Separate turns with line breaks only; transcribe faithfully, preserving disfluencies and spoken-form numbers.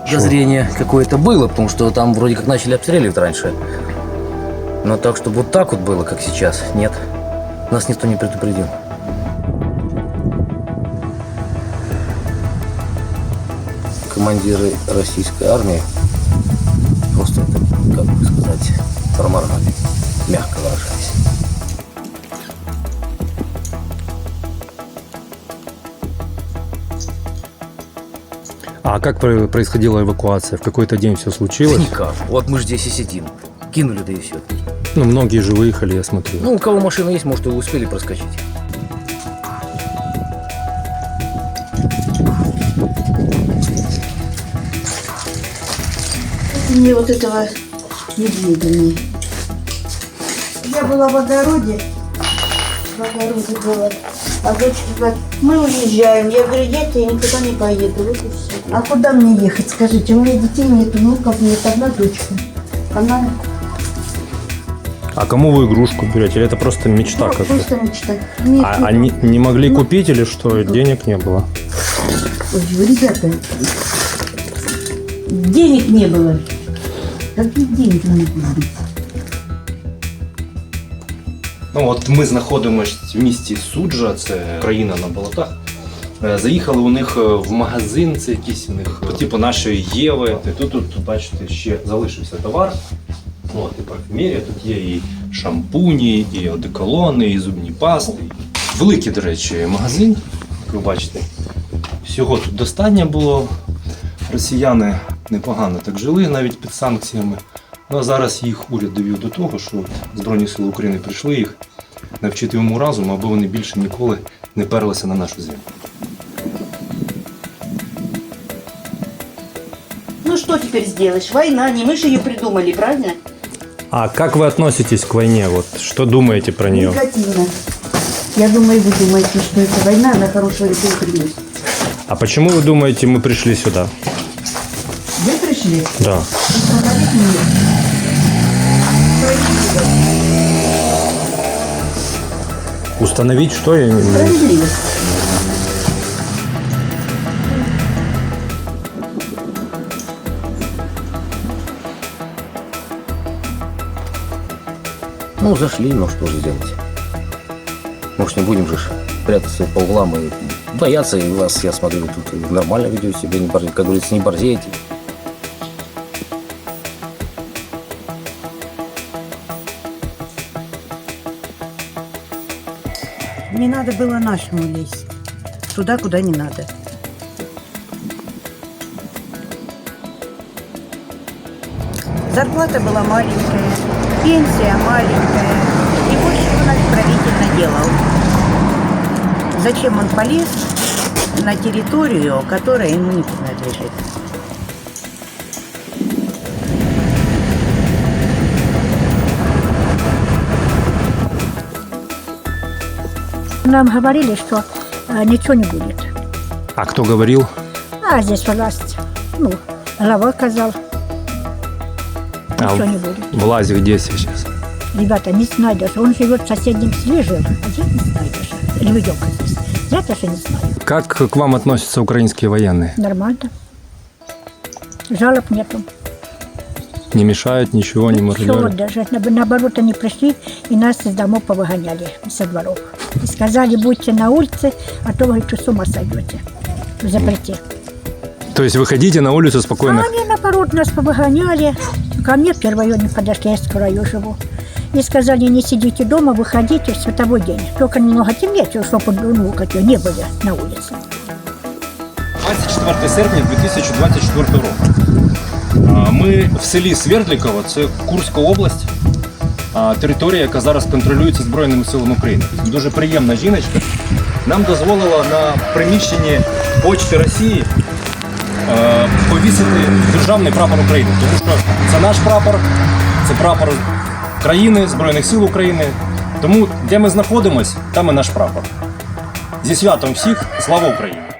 Подозрение какое-то было, потому что там вроде как начали обстреливать раньше. Но так, чтобы вот так вот было, как сейчас, нет. Нас никто не предупредил. Командиры российской армии просто, как бы сказать, проморгали, мягко выражаясь.
А как про- происходила эвакуация? В какой-то день все случилось?
Никак. Вот мы же здесь и сидим. Кинули, да и все.
Ну, многие же выехали, я смотрю.
Ну, у кого машина есть, может, и успели проскочить.
Мне вот этого медведя мне. Я была в огороде. В огороде была. А дочка говорит, мы уезжаем. Я говорю, дети, я никуда не поеду. Вот и все. А куда мне ехать, скажите? У меня детей нет, внуков нет, одна дочка. Она
А кому вы игрушку берете? Или это просто мечта
ну,
какая-то?
просто мечта. Нет,
А
нет.
они не могли купить или что? Денег не было?
Ой, ребята, денег не было. Какие деньги могут быть?
Ну от ми знаходимося в місті Суджа, це країна на болотах. Е, Заїхали у них е, в магазин, це якийсь у них, е, типу нашої Єви. І тут, тут, тут, бачите, ще залишився товар. От, і парфюмерія, тут є і шампуні, і одеколони, і зубні пасти. Великий, до речі, магазин, як ви бачите. Всього тут достатньо було. Росіяни непогано так жили, навіть під санкціями. Ну а зараз їх уряд довів до того, що Збройні Сили України прийшли їх навчити йому разуму, аби вони більше ніколи не перлися на нашу землю.
Ну что теперь сделаешь? Война, не мы же ее придумали, правильно?
А как вы относитесь к войне? Вот что думаете про нее?
Негативно. Я думаю, вы думаете, что эта война, она хорошего не приносит.
А почему вы думаете, мы пришли сюда?
Вы пришли?
Да.
Остановить меня.
Установить что? Я не...
Справедливость.
Ну, зашли, ну что же делать? Может, не будем же ж прятаться по углам и бояться, и вас, я смотрю, вы тут нормально ведете себя, не бор- как говорится, не борзеете.
Не надо было нашему лезть. Туда, куда не надо. Зарплата была маленькая, пенсия маленькая. И больше он правитель наделал. Зачем он полез на территорию, которая ему не принадлежит?
Нам говорили, что э, ничего не будет.
А кто говорил?
А здесь власть, ну, глава сказал, ничего
А
не будет.
власть где сейчас?
Ребята, не знаю даже, он живет в соседнем селе, жил, а здесь не знаю даже. Лебедевка здесь. Я даже не знаю.
Как к вам относятся украинские военные?
Нормально. Жалоб нету.
Не мешают, ничего, не
Ничего,
мародерят?
даже на- наоборот, они пришли и нас из домов повыгоняли, со дворов. И сказали, будьте на улице, а то, говорит, что с ума сойдете. В запрете.
То есть выходите на улицу спокойно?
А они, наоборот, нас повыгоняли. Ко мне в первый район подошли, я в краю живу. И сказали, не сидите дома, выходите в световой день. Только немного темнее, чтобы ну, как не были на улице.
двадцять четвертого серпня дві тисячі двадцять четвертого року. А, Ми в селі Свердліково, це Курська область, а, територія, яка зараз контролюється Збройними силами України. Дуже приємна жіночка. Нам дозволила на приміщенні Почти Росії е, повісити державний прапор України. Тому що це наш прапор, це прапор країни, Збройних сил України. Тому де ми знаходимося, там і наш прапор. Зі святом всіх, слава Україні!